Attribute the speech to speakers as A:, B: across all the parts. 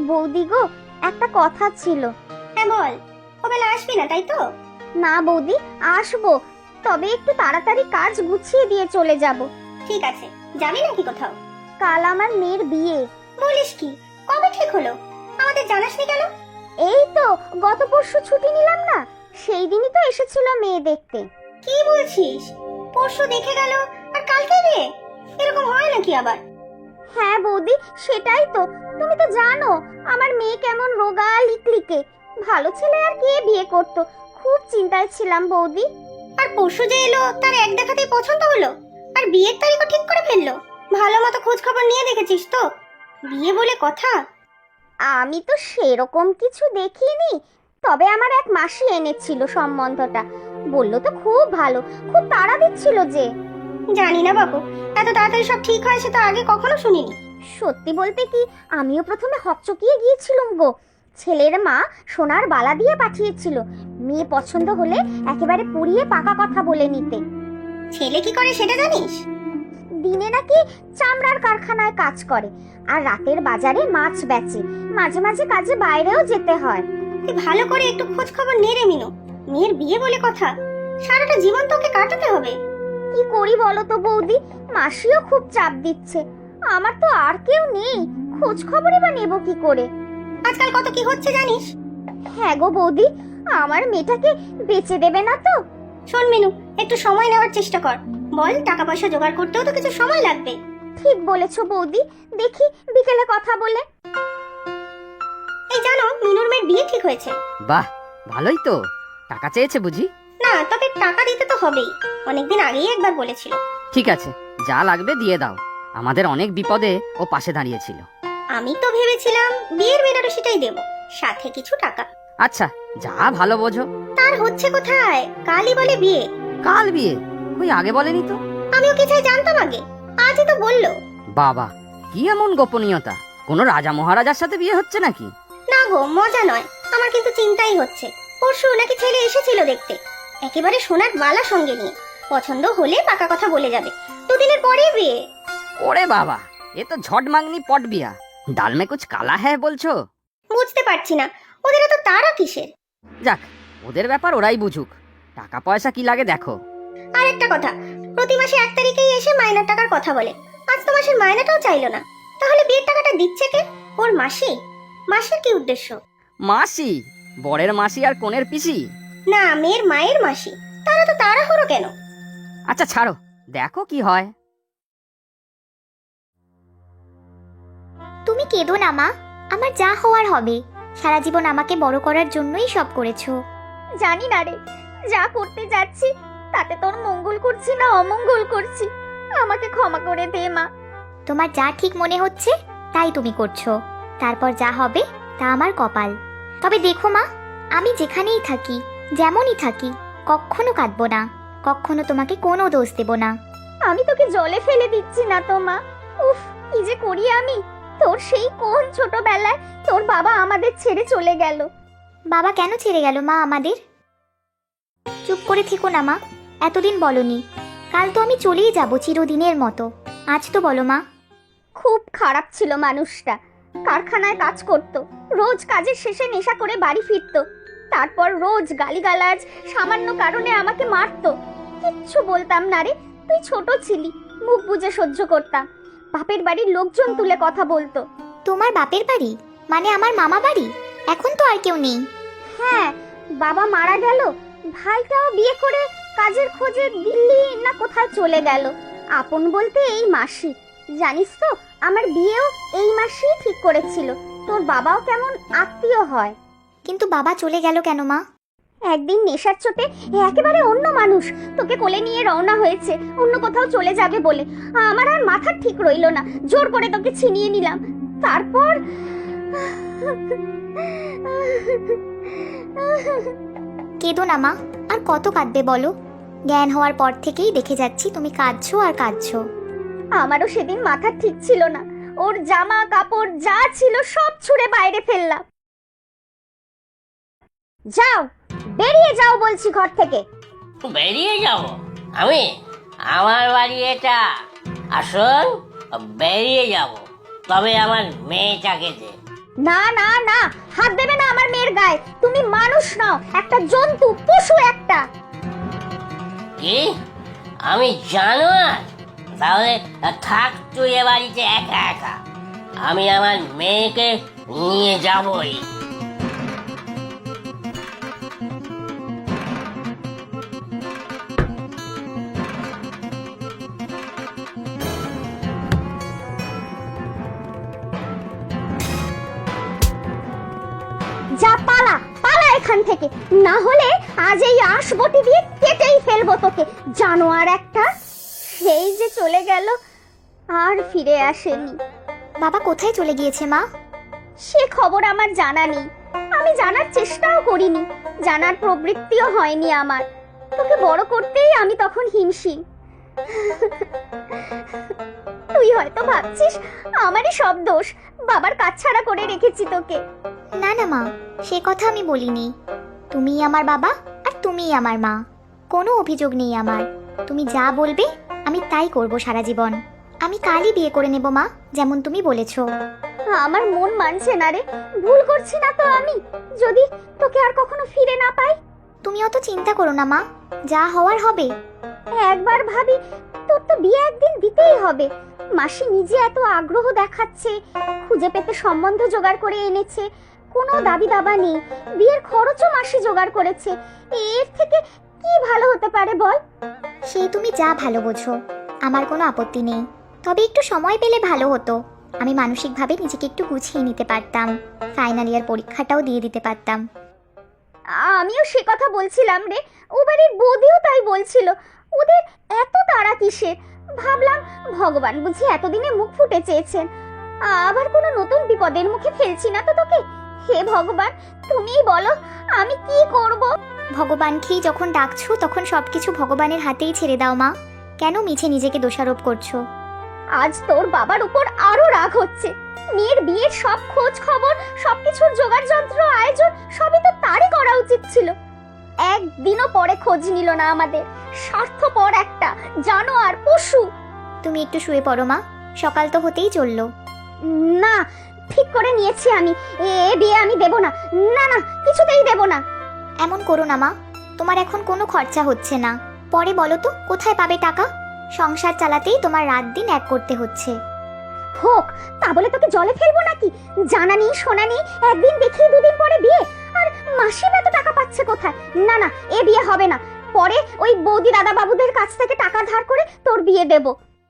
A: বৌদি গো, একটা কথা ছিল।
B: হ্যাঁ বল, ওবেলা আসবি না তাই তো?
A: না বৌদি, আসবো, তবে একটু তাড়াতাড়ি কাজ গুছিয়ে দিয়ে চলে যাব।
B: ঠিক আছে, যাবি নাকি কোথাও?
A: কাল আমার মেয়ের বিয়ে।
B: বলিস কি, কবে ঠিক হলো? আমাদের জানাসনি কেন?
A: এই তো গত পরশু ছুটি নিলাম না, সেই দিনই তো এসেছিল মেয়ে দেখতে।
B: কি বলছিস? পরশু দেখে গেল আর কালকে বিয়ে? এরকম হয় নাকি আবার?
A: হ্যাঁ বৌদি, সেটাই তো। তুমি তো জানো আমার মেয়ে কেমন রোগা লিকলিকে। ভালো ছেলে আর কে বিয়ে করত, খুব চিন্তায় ছিলাম বৌদি।
B: আর পরশু যে এলো তার এক দেখাতেই পছন্দ হলো, আর বিয়ের তারিখও ঠিক করে ফেললো। ভালো মতো খোঁজ খবর নিয়ে দেখেছিস তো? বিয়ে বলে কথা।
A: আমি তো সেরকম কিছু দেখিনি, তবে আমার এক মাসি এনেছিল সম্বন্ধটা। বলল তো খুব ভালো, খুব তাড়া দিচ্ছিল যে।
B: জানি না বাবু, এত তাড়াতাড়ি সব ঠিক হয় সে তো আগে কখনো শুনিনি।
A: সত্যি বলতে কি, আমিও প্রথমে হকচকিয়ে গিয়েছিলাম গো। ছেলের মা সোনার বালা দিয়ে পাঠিয়েছিল, মেয়ে পছন্দ হলে একেবারে পুড়িয়ে পাকা কথা বলে নিতে।
B: ছেলে কি করে সেটা জানিস?
A: দিনে নাকি চামড়ার কারখানায় কাজ করে, আর রাতের বাজারে মাছ বেচে। মাঝে মাঝে কাজে বাইরেও যেতে হয়।
B: তুই ভালো করে একটু খোঁজ খবর নে রে মিনু। মেয়ের বিয়ে বলে কথা, সারাটা জীবন তোকে কাটাতে হবে।
A: কি করি বলো তো বৌদি, মাসিও খুব চাপ দিচ্ছে। আমার তো আর কেউ নেই, খোঁজ খবরই বা নেব কি করে?
B: আজকাল কত কি হচ্ছে জানিস?
A: হ্যাঁ গো বৌদি, আমার মেয়েটাকে বেচে দেবে না তো?
B: শোন মিনু, একটু সময় নেওয়ার চেষ্টা কর। বল, টাকা পয়সা জোগাড় করতেও তো কিছু সময় লাগবে।
A: ঠিক বলেছো বৌদি, দেখি বিকেলে কথা বলে।
B: এই জানো, মিনুর মেয়ের বিয়ে ঠিক হয়েছে।
C: বাহ, ভালোই তো। টাকা চেয়েছে বুঝি?
B: না, তবে টাকা দিতে তো হবেই, অনেকদিন আগেই একবার বলেছিল।
C: ঠিক আছে, যা লাগবে দিয়ে দাও। আমাদের অনেক বিপদে ও পাশে দাঁড়িয়েছিল।
B: আমি তো ভেবেছিলাম বিয়ের বেনারসিটাই দেব, সাথে কিছু টাকা।
C: আচ্ছা, যা ভালো বোঝো।
B: তার হচ্ছে কোথায়, কালই বলে বিয়ে।
C: কাল বিয়ে? কই আগে বলেনি তো।
B: আমিও কি চাই জানতাম আগে, আজই তো বললো।
C: বাবা, কি এমন গোপনীয়তা? কোনো রাজা মহারাজার সাথে বিয়ে হচ্ছে নাকি?
B: না গো, মজা নয়, আমার কিন্তু চিন্তাই হচ্ছে। পরশু নাকি ছেলে এসেছিল দেখতে, একেবারে সোনার বালা সঙ্গে নিয়ে। পছন্দ হলে পাকা কথা বলে যাবে, দুদিনের পরেই বিয়ে।
C: ওরে বাবা, এ তো ঝট মাংনি পট বিয়া। ডাল মে কুছ কালা হ্যায় বলছো?
B: বুঝতে পারছি না, ওদের এত তাড়া কিসের?
C: যাক, ওদের ব্যাপার ওরাই বুঝুক। টাকা পয়সা কি লাগে দেখো।
B: আর একটা কথা, প্রতি মাসে 1 তারিখেই এসে মাইনার টাকার কথা বলে। আজ তো মাসের মাইনাটাও চাইলো না। তাহলে বিয়ের টাকাটা দিচ্ছে কে? ওর মাসি? মাসির কি উদ্দেশ্য?
C: মাসি? বরের মাসি আর কোণের পিসি?
B: না, মেয়ের মায়ের মাসি। তারা তো তাড়াহুড়ো কেন?
C: আচ্ছা ছাড়ো, দেখো কি হয়।
D: তুমি কেঁদো না মা, আমার যা হওয়ার হবে। সারা জীবন আমাকে বড় করার জন্যই সব করেছো।
A: জানি না রে, যা করতে যাচ্ছি তাতে তোর মঙ্গল করছি না অমঙ্গল করছি। আমাকে ক্ষমা করে দে মা।
D: তোমার যা ঠিক মনে হচ্ছে তাই তুমি করছো, তারপর যা হবে তা আমার কপাল। তবে দেখো মা, আমি যেখানেই থাকি, যেমনই থাকি, কখনো কাঁদবো না, কখনো তোমাকে কোনো দোষ দেব না।
A: আমি তোকে জলে ফেলে দিচ্ছি না তো মা। উফ, কি যে করি আমি। তোর সেই কোন ছোটবেলায় তোর বাবা আমাদের ছেড়ে চলে গেল।
D: বাবা কেন ছেড়ে গেল মা আমাদের? চুপ করে থেকো না মা, এতদিন বলনি। কাল তো আমি চলেই যাব চিরদিনের মতো, আজ তো বলো মা।
A: খুব খারাপ ছিল মানুষটা। কারখানায় কাজ করত, রোজ কাজের শেষে নেশা করে বাড়ি ফিরতো। তারপর রোজ গালিগালাজ, সামান্য কারণে আমাকে মারতো। কিচ্ছু বলতাম না রে, তুই ছোট ছিলি, মুখ বুজে সহ্য করতাম। বাপের বাড়ির লোকজন তুলে কথা বলতো।
D: তোমার বাপের বাড়ি মানে আমার মামা বাড়ি? এখন তো আর কেউ নেই।
A: হ্যাঁ, বাবা মারা গেল, ভাইটাও বিয়ে করে কাজের খোঁজে দিল্লি না কোথায় চলে গেল। আপন বলতে এই মাসি। জানিস তো, আমার বিয়েও এই মাসেই ঠিক করেছিল। তোর বাবাও কেমন আত্মীয় হয়।
D: কিন্তু বাবা চলে গেল কেন মা?
A: একদিন নেশার চোটে একেবারে অন্য মানুষ তোকে কোলে নিয়ে রওনা হয়েছে অন্য কোথাও চলে যাবে বলে। আমার আর মাথা ঠিক রইল না, জোর করে তোকে ছিনিয়ে নিলাম। তারপর
D: কেঁদো না মা, আর কত কাঁদবে বলো? জ্ঞান হওয়ার পর থেকেই দেখে যাচ্ছি তুমি কাঁদছো আর কাঁদছো।
A: আমারও সেদিন মাথা ঠিক ছিল না, ওর জামা কাপড় যা ছিল সব ছুঁড়ে বাইরে ফেললাম। যাও, বেরিয়ে যাও বলছি ঘর থেকে।
E: বেরিয়ে যাব আমি? আমার বাড়ি এটা। আসুন, বেরিয়ে যাব, তবে আমার মেয়েটাকে দে।
A: না না না, হাত দেবে না আমার মেয়ের গায়ে। তুমি মানুষ নাও, একটা জন্তু, পশু একটা।
E: কি আমি জানোয়ার? তাহলে থাক তুই এ বাড়িতে একা একা, আমি আমার মেয়েকে নিয়ে যাবই।
A: যা, পালা পালা এখান থেকে, না হলে আজ এই আঁশবটি দিয়ে কেটেই ফেলবো তোকে, জানোয়ার একটা। সেই যে চলে গেল, আর ফিরে আসেনি।
D: বাবা কোথায় চলে গিয়েছে মা?
A: সে খবর আমার জানা নেই, আমি জানার চেষ্টাও করিনি, জানার প্রবৃত্তিও হয়নি আমার। তোকে বড় করতেই আমি তখন হিমশিম। তুই হয়তো ভাবছিস আমারই সব দোষ, বাবার কাছছাড়া করে রেখেছি তোকে।
D: না না মা, সে কথা আমি বলিনি। তুমিই আমার বাবা আর তুমিই আমার মা, কোনো অভিযোগ নেই আমার। তুমি যা বলবে আমি তাই করব সারা জীবন। আমি কালই বিয়ে করে নেব মা, যেমন তুমি বলেছো।
A: আমার মন মানছে না রে, ভুল করছি না তো আমি? যদি তোকে আর কখনো ফিরে না পাই?
D: তুমি অত চিন্তা করো না মা, যা হওয়ার হবে।
A: একবার ভাবি, তোর তো বিয়ে একদিন দিতেই হবে। মাসি নিজে এত আগ্রহ দেখাচ্ছে, খুঁজে পেতে সম্বন্ধ জোগাড় করে এনেছে, কোনো দাবি দাবা নেই, বিয়ের খরচও মাসি জোগাড় করেছে। এর থেকে কি ভালো হতে পারে বল?
D: সেই তুমি যা ভালো বোঝো, আমার কোনো আপত্তি নেই। তবে একটু সময় পেলে ভালো হতো, আমি মানসিকভাবে নিজেকে একটু গুছিয়ে নিতে পারতাম, ফাইনাল ইয়ার পরীক্ষাটাও দিয়ে দিতে পারতাম।
A: আমিও সে কথা বলছিলাম রে, ও বাড়ির বৌদিও তাই বলছিল। ওদের এত তাড়া কিসের? ভাবলাম ভগবান বুঝি এতদিনে মুখ ফুটে চেয়েছেন, আবার কোনো নতুন বিপদের মুখে ফেলছি না তো তোকে। হে ভগবান, তুমিই বলো আমি কি করব?
D: ভগবানকেই যখন ডাকছো তখন সবকিছু ভগবানের হাতেই ছেড়ে দাও মা, কেন মিছে নিজেকে দোষারোপ করছো?
A: আজ তোর বাবার উপর আরো রাগ হচ্ছে। মেয়ের বিয়ের সব খোঁজ খবর, সবকিছুর জোগাড় যন্ত্র, আয়োজন সবই তো তারই করা উচিত ছিল। একদিনও পরে খোঁজ নিল না আমাদের, স্বার্থপর একটা জানোয়ার, পশু।
D: তুমি একটু শুয়ে পড়ো মা, সকাল তো হতেই চললো।
A: না, ঠিক করে নিয়েছি আমি, এ বিয়ে আমি দেব না। না না, কিছুতেই দেব না।
D: এমন করো না মা, তোমার এখন কোনো খরচা হচ্ছে না, পরে বলো তো কোথায় পাবে টাকা? সংসার চালাতেই তোমার রাত দিন এক করতে হচ্ছে।
A: হোক, তা বলে তোকে জলে ফেলবো নাকি? জানা নেই শোনা নেই, একদিন দেখি দুদিন পরে বিয়ে, আর মাসি এত টাকা পাচ্ছে কোথায়? না না, এ বিয়ে হবে না। পরে ওই বৌদি দাদা বাবুদের কাছ থেকে টাকা ধার করে তোর বিয়ে দেব।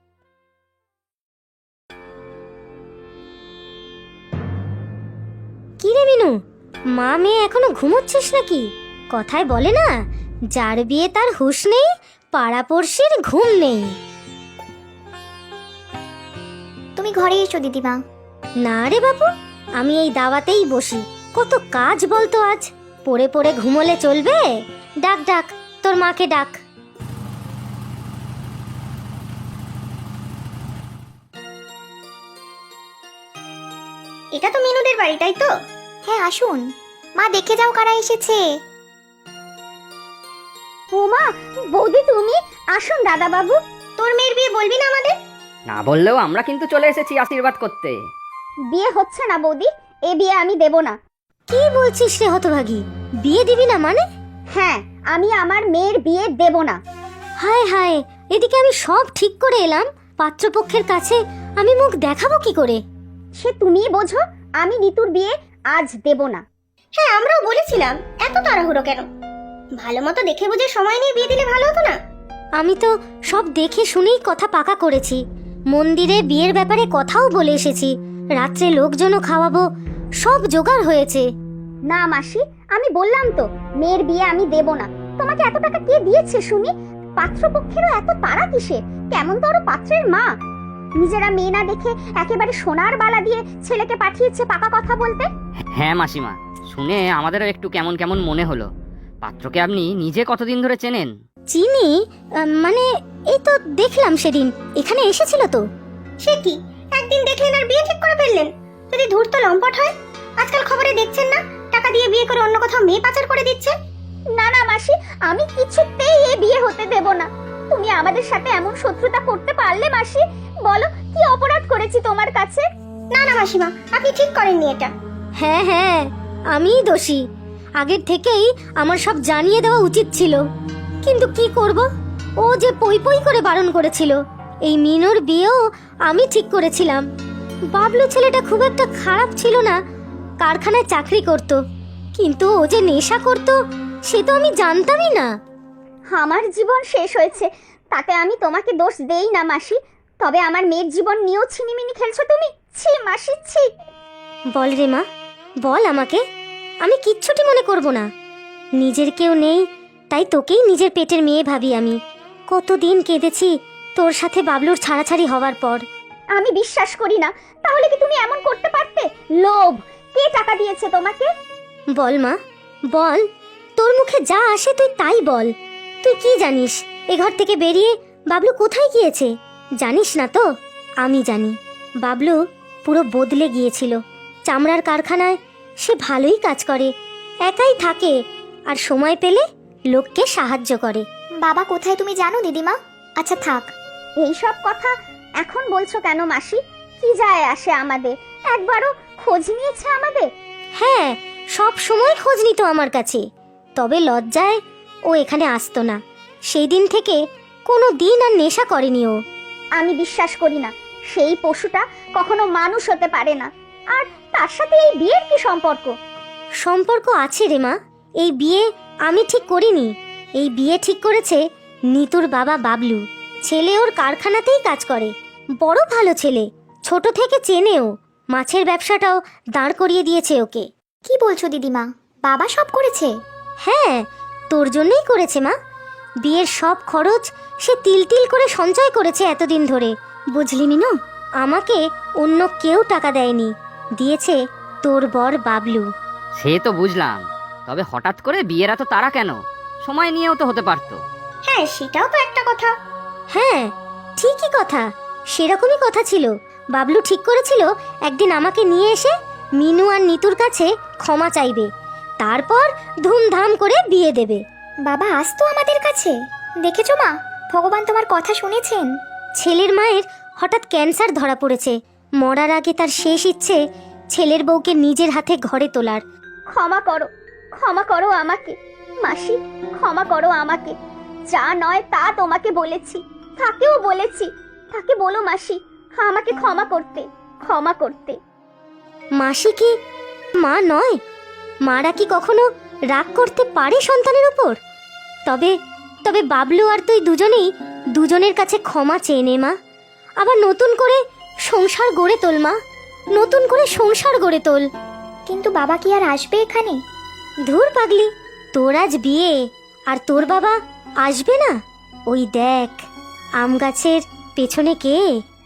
F: কি রে মিনু, মা মেয়ে এখনো ঘুমোচ্ছিস নাকি? কথায় বলে না, যার বিয়ে তার হুঁশ নেই, পাড়াপড়শির ঘুম নেই।
D: তুমি ঘরে এসো দিদিমা।
F: না রে বাবু, আমি এই দাওয়াতেই বসি। কত কাজ বলতো আজ, পড়ে পড়ে ঘুমোলে চলবে? ডাক ডাক, তোর মাকে ডাক।
B: এটা তো মিনুদের বাড়ি, তাই তো?
D: হ্যাঁ আসুন মা, দেখে যাও কারা এসেছে।
A: ও মা, বৌদি তুমি? আসুন দাদা বাবু।
B: তোর মেয়ের বিয়ে বলবি না আমাদের?
C: না বললেও আমরা কিন্তু চলে এসেছি আশীর্বাদ করতে।
A: বিয়ে হচ্ছে না বৌদি, এ বিয়ে আমি দেব না।
F: কি বলছিস রে হতভাগী, বিয়ে দিবি না মানে?
A: হ্যাঁ, আমি আমার মেয়ের বিয়ে দেব না।
F: হায় হায়, এদিকে আমি সব ঠিক করে এলাম, পাত্রপক্ষের কাছে আমি মুখ দেখাবো কি করে?
A: সে তুমিই বোঝো, আমি নিতুর বিয়ে আজ দেব না।
B: হ্যাঁ, আমরাও বলেছিলাম, এত তাড়াহুড়ো কেন? ভালো মতো দেখে বুঝে সময় নিয়ে বিয়ে দিলে ভালো হতো না?
F: আমি তো সব দেখে শুনেই কথা পাকা করেছি, মন্দিরে বিয়ের ব্যাপারে কথাও বলে এসেছি, রাত্রে লোকজনও খাওয়াবো, সব জোগাড় হয়েছে।
A: না মাসি, আমি বললাম তো মেয়ের বিয়ে আমি দেব না। তোমাকে এত টাকা কে দিয়েছে শুনি? পাত্রপক্ষেরও এত তাড়া কিসের? কেমন তো আরো পাত্রের মা, নিজেরা মেয়ে না দেখে একেবারে সোনার বালা দিয়ে ছেলেকে পাঠিয়েছে পাকা কথা বলতে।
C: হ্যাঁ মাসিমা, শুনে আমাদেরও একটু কেমন কেমন মনে হলো। পাত্রকে আপনি নিজে কতদিন ধরে চেনেন?
F: চিনি, মানে এই তো দেখলাম সেদিন এখানে এসেছিল তো।
B: সে কি, একদিন দেখলেন আর বিয়ে ঠিক করে ফেললেন? যদি ধূর্ত লম্পট হয়, আজকাল খবরে দেখছেন না টাকা দিয়ে বিয়ে করে অন্য কোথাও মেয়ে পাচার করে দিচ্ছে?
A: না না মাসি, আমি কিছুতেই এ বিয়ে হতে দেব না। তুমি আমাদের সাথে এমন শত্রুতা করতে পারলে মাসি? বলো কি অপরাধ করেছি তোমার কাছে?
B: না না মাসিমা, আপনি ঠিক করেননি এটা।
F: হ্যাঁ হ্যাঁ, আমিই দোষী। আগের থেকেই আমার সব জানিয়ে দেওয়া উচিত ছিল, কিন্তু কি করব, ও যে পই পই করে বারণ করেছিল। এই মিনুর বিয়েও আমি ঠিক করেছিলাম। বাবলু ছেলেটা খুব একটা খারাপ ছিল না, কারখানায় চাকরি করত, কিন্তু ও যে নেশা করত সে তো আমি জানতামই না।
A: আমার জীবন শেষ হয়েছে, তাতে আমি তোমাকে দোষ দেই না মাসি। তবে আমার মেয়ের জীবন নিয়েও ছিনিমিনি খেলছো তুমি। ছি মাসি, ছি।
F: বল রে মা, বল আমাকে, আমি কিচ্ছুটি মনে করব না। নিজের কেউ নেই, তাই তোকেই নিজের পেটের মেয়ে ভাবি আমি। কতদিন কেঁদেছি তোর সাথে বাবলুর ছাড়াছাড়ি হওয়ার পর।
A: আমি বিশ্বাস করি না। তাহলে কি তুমি এমন করতে পারতে? লোভ। কে টাকা দিয়েছে তোমাকে?
F: বল মা, বল, তোর মুখে যা আসে তুই তাই বল। তুই কি জানিস এ ঘর থেকে বেরিয়ে বাবলু কোথায় গিয়েছে? জানিস না তো? আমি জানি। বাবলু পুরো বদলে গিয়েছিল। চামড়ার কারখানায় সে ভালোই কাজ করে, একাই থাকে, আর সময় পেলে লোককে সাহায্য করে।
D: বাবা কোথায় তুমি জানো দিদিমা? আচ্ছা থাক।
A: এই সব কথা এখন বলছো কেন মাসি? কি যায় আসে আমাদের? একবারও খোঁজ নিয়েছে আমাদের?
F: হ্যাঁ, সব সময় খোঁজ নিত আমার কাছে, তবে লজ্জায় ও এখানে আসতো না। সেই দিন থেকে কোনো দিন আর নেশা করেনি ও।
A: আমি বিশ্বাস করি না। সেই পশুটা কখনো মানুষ হতে পারে না। আর তার সাথে এই বিয়ের কি সম্পর্ক?
F: সম্পর্ক আছে রে মা। এই বিয়ে আমি ঠিক করিনি, এই বিয়ে ঠিক করেছে নিতুর বাবা বাবলু। ছেলে ওর কারখানাতেই কাজ করে, বড় ভালো ছেলে, ছোট থেকে চেনেও। মাছের ব্যবসাটাও দাঁড় করিয়ে দিয়েছে ওকে।
D: কি বলছো দিদিমা, বাবা সব করেছে?
F: হ্যাঁ, তোর জন্যই করেছে মা। বিয়ের সব খরচ সে তিল তিল করে সঞ্চয় করেছে এতদিন ধরে, বুঝলি মিনু? আমাকে অন্য কেউ টাকা দেয়নি, দিয়েছে তোর বর বাবলু।
C: সে তো বুঝলাম, তবে হঠাৎ করে বিয়ের এত তাড়া কেন? সময় নিয়েও তো হতে পারতো।
B: হ্যাঁ, সেটাও তো একটা কথা।
F: হ্যাঁ, ঠিকই কথা, সেরকমই কথা ছিল। বাবলু ঠিক করেছিল একদিন আমাকে নিয়ে এসে মিনু আর নিতুর কাছে ক্ষমা চাইবে, তারপর ধুমধাম করে বিয়ে দেবে।
D: বাবা আসতো আমাদের কাছে, দেখেছো মা, ভগবান তোমার কথা শুনেছেন।
F: ছেলের মায়ের হঠাৎ ক্যান্সার ধরা পড়েছে। মরার আগে তার শেষ ইচ্ছে ছেলের বউকে নিজের হাতে ঘরে তোলার।
A: ক্ষমা করো, ক্ষমা করো আমাকে মাসি, ক্ষমা করো আমাকে। যা নয় তা তোমাকে বলেছি, তাকেও বলেছি। তাকে বলো মাসি আমাকে ক্ষমা করতে, ক্ষমা করতে।
F: মাসি কি মা নয়? মারা কি কখনো রাগ করতে পারে সন্তানের উপর? তবে তবে বাবলু আর তুই দুজনেই দুজনের কাছে ক্ষমা চেয়ে নে মা। আবার নতুন করে সংসার গড়ে তোল মা, নতুন করে সংসার গড়ে তোল।
D: কিন্তু বাবা কি আর আসবে এখানে?
F: ধুর পাগলি, তোর আজ বিয়ে, আর তোর বাবা আসবে না? ওই দেখ, আম গাছের পেছনে কে?